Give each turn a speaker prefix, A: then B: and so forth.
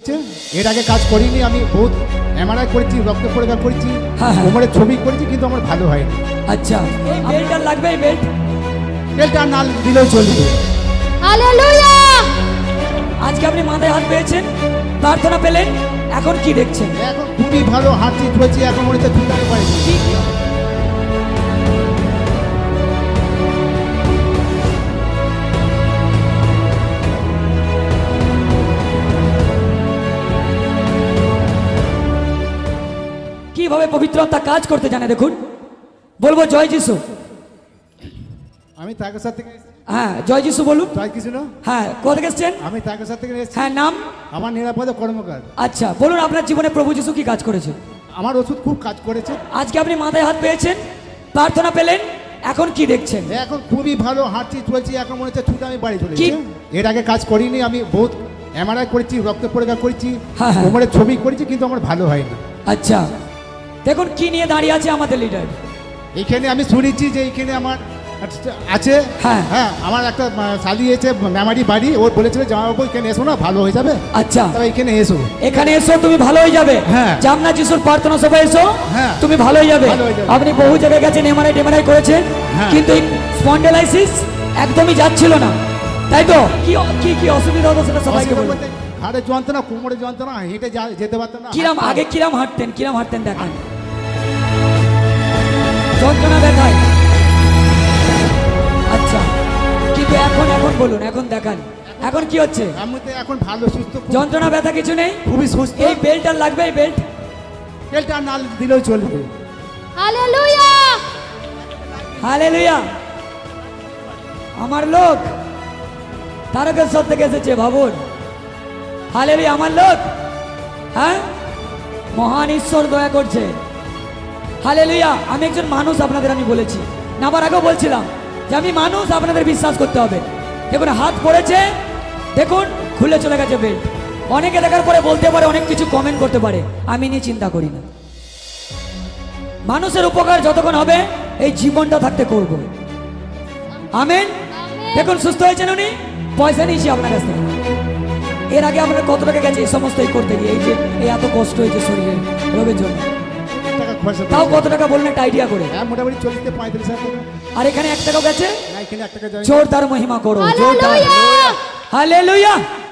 A: এর আগে কাজ করিনি, আমি বহুত এমআরআই করেছি, রক্ত পরীক্ষা করেছি, কোমরের ছবি করেছি, কিন্তু আমার ভালো হয়নি।
B: আচ্ছা, এই বেল্টটা লাগবে, এই বেল্ট
A: বেল্টটা না দিলেও চলবে।
C: হালেলুয়া!
B: আজকে আপনি মাথায় হাত পেয়েছেন, প্রার্থনা পেলেন, এখন কি দেখছেন?
A: এখন খুবই ভালো হাঁটছি, চলছি, এখন মনে হচ্ছে ছুটাতে পারছি।
B: কিভাবে পবিত্র আত্মা কাজ করতে জানে দেখুন। বলবো জয় যিশু।
A: আমি তাকেশ্বর থেকে এসেছি।
B: হ্যাঁ, জয় যিশু বলুন।
A: জয় কৃষ্ণ।
B: হ্যাঁ, কোথা থেকে এসেছেন?
A: আমি তাকেশ্বর থেকে এসেছি।
B: হ্যাঁ, নাম?
A: আমার নিরাপদ কর্মকার।
B: আচ্ছা, বলুন আপনার জীবনে প্রভু যিশু কি কাজ করেছে?
A: আমার ওষুধ খুব কাজ করেছে।
B: আজকে আপনি মাথায় হাত পেয়েছেন, প্রার্থনা পেলেন, এখন কি দেখছেন?
A: এখন খুবই ভালো হাঁটছি, চলছি, এখন মনে হচ্ছে ছুটে আমি বাড়ি চলে
B: কি?
A: যাচ্ছি। এর আগে কাজ করিনি, আমি বহুত এমআরআই করেছি, রক্ত পরীক্ষা করেছি,
B: হ্যাঁ।
A: কোমরের ছবি করেছি, কিন্তু আমার ভালো হয়নি।
B: আচ্ছা, দেখুন কি নিয়ে দাঁড়িয়ে আছে আমাদের লিডার।
A: এইখানে আমি শুনেছি যে এইখানে আমার আছে।
B: হ্যাঁ।
A: হ্যাঁ, আমার একটা শালি এসে মেমারি বাড়ি, ওর বলেছিল জামাইবাবু এখানে এসো না, ভালো হয়ে যাবে।
B: আচ্ছা,
A: তবে এখানে এসো।
B: এখানে এসো, তুমি ভালো হয়ে যাবে।
A: হ্যাঁ।
B: জামনা যিশুর প্রার্থনা সভায় এসো,
A: হ্যাঁ।
B: তুমি ভালো হয়ে যাবে।
A: ভালো হয়ে যাবে।
B: আপনি বহু জায়গায় গেছেন, এমআরআই করেছেন,
A: হ্যাঁ।
B: কিন্তু স্পন্ডেলাইসিস একদমই যাচ্ছিল না, তাই তো? কি কি কি অসুবিধা হতো সেটা সবাইকে
A: অসুবিধা
B: বলুন।
A: বলতে ঘাড়ে যন্ত্রণা, কোমরে যন্ত্রণা, হেঁটে যেতে পারতাম না।
B: কিরাম আগে কিরাম হাঁটতেন দেখান। যন্ত্রণা দেখায়। আচ্ছা, কিন্তু এখন বলুন, এখন দেখান, এখন কি হচ্ছে?
A: আমি তো এখন ভালো, সুস্থ,
B: যন্ত্রণা ব্যথা কিছু নেই?
A: খুবই সুস্থ।
B: এই বেল্ট আর লাগবে, এই বেল্ট।
A: বেল্টটা না দিলেও চলবে।
C: হালেলুয়া!
B: হালেলুয়া! আমার লোক তারকেশ্বর থেকে এসেছে, ভাবুন। হালেলুয়া! আমার লোক, হ্যাঁ, মহান ঈশ্বর দয়া করছে। হালেলুয়া! আমি একজন মানুষ, আপনাদের আমি বলেছি, নামার আগেও বলছিলাম যে আমি মানুষ, আপনাদের বিশ্বাস করতে হবে। দেখুন হাত পড়েছে, দেখুন খুলে চলে গেছে বেল্ট। অনেকে দেখার পরে বলতে পারে, অনেক কিছু কমেন্ট করতে পারে, আমি নিয়ে চিন্তা করি না। মানুষের উপকার যতক্ষণ হবে এই জীবনটা থাকতে করব। আমেন। দেখুন সুস্থ হয়েছেন উনি, পয়সা নিয়েছি আপনার কাছ থেকে। এর আগে আপনার কত টাকা গেছে এই সমস্ত করতে গিয়ে, এই যে এই এত কষ্ট হয়েছে শরীরে রোগের জন্য?
A: টাকা খরচা
B: তাও
A: করেছি।
B: কত টাকা বললেন একটা আইডিয়া করে?
A: হ্যাঁ, মোটামুটি 40-45 টাকা।
B: আর এখানে 1 টাকাও গেছে?
A: না, এখানে 1 টাকা যায় না।
B: জোরদার মহিমা করো, জোরদার।
C: হালেলুয়া!
B: হালেলুয়া!